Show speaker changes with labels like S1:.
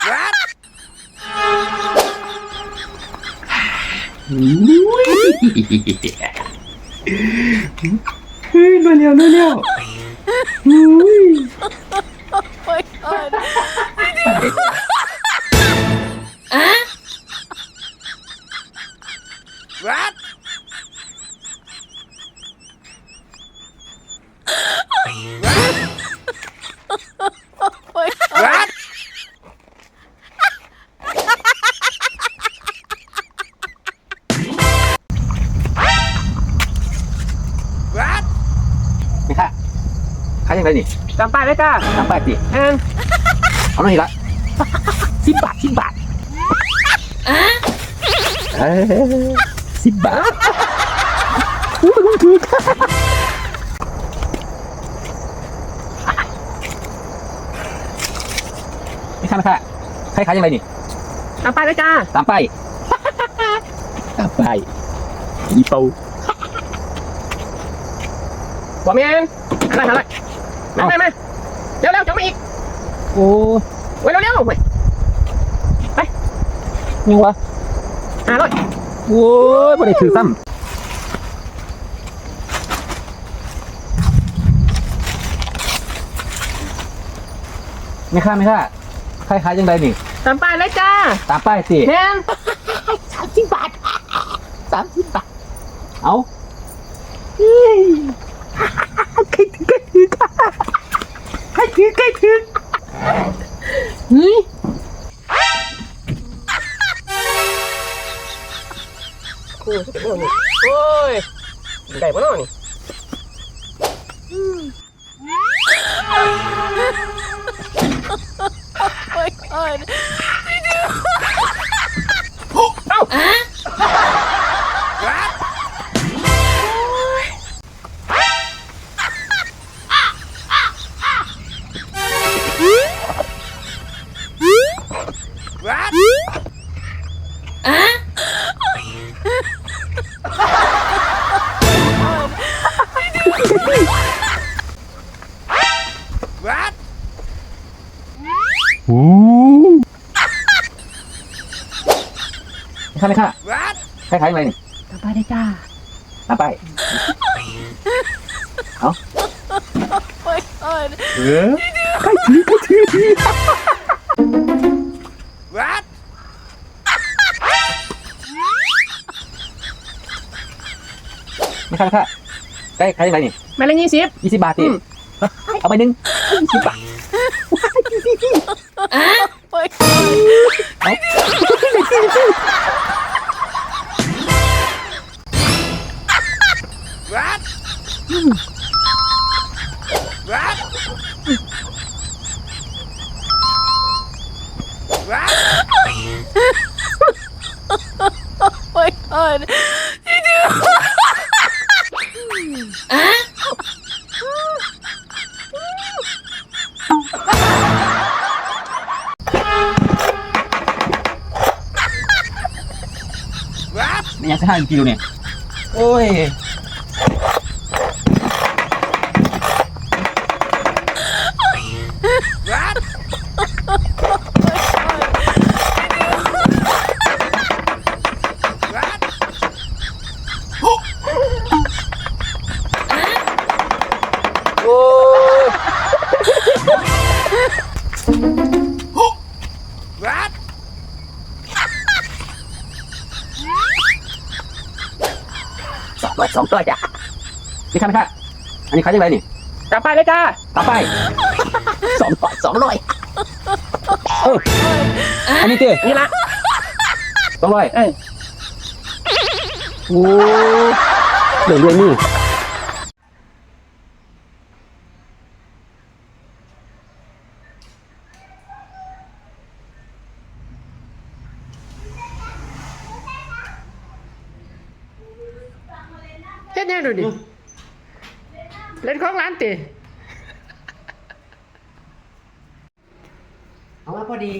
S1: เฮ้ยมาเร็วมาเร็วอุ้ย
S2: What? What?
S1: นี่ค่ะขายยังไงนี่
S3: ตามป้ายเลยจ้า
S1: ตามป้ายสิ เอาหน่อยละ10 บาท10 บาท10 บาทอู้มันถูกนี่ค่ะนะคะใครขายยังไงนี่
S3: ตามป้ายเลยจ้า
S1: ตามป้ายตามป้ายอีเปา
S3: บอกเมียนอะไรมาเร็วจะมาอีก
S1: โอ้
S3: เว้ยเร็วเว้ย
S1: ยังวะ
S3: 500
S1: โอ้ยบ่ได้ถือซ้ำไม่ค่าใครขายยังไงนี่
S3: ตามป้ายเลยจ้า
S1: ตามป้ายสิ
S3: แม่น
S1: 30 บาท30 บาทเอาใครถือใครถือเฮ้ย
S3: คู่จะเป็นนี่โอ้ยได้ปะเนาะนี่
S2: What?
S1: ไม่ค่า
S2: What?
S1: ใครขายยังไงนี่
S3: ตามป้ายเลยจ้า
S1: ตามป้ายเอาใครถือ
S2: What?
S1: ไม่ค่าใครขายยังไงนี่
S3: ไม่ละ20
S1: 20 บาทสิเอาไปหนึ่ง20 บาทเอา
S2: What? What? What?
S4: my god.
S2: What?
S1: ไม่อยากจะให้กิโลเนี่ยโอ้ย
S2: What? What?
S1: โอ้ย
S2: What?
S1: 200จ้ะนี่ค่ะ อันนี้ขายยังไงนี่
S3: ตามป้ายเลยจ้า
S1: ต่อไป200อันนี้เจ้
S3: นี่ละ
S1: 200
S3: เอ้ย
S1: โอ้เดี๋ยวเรื่องนี้
S3: เฮ็ดยังดูดิเล่นของร้านติ
S1: เอามาพอดี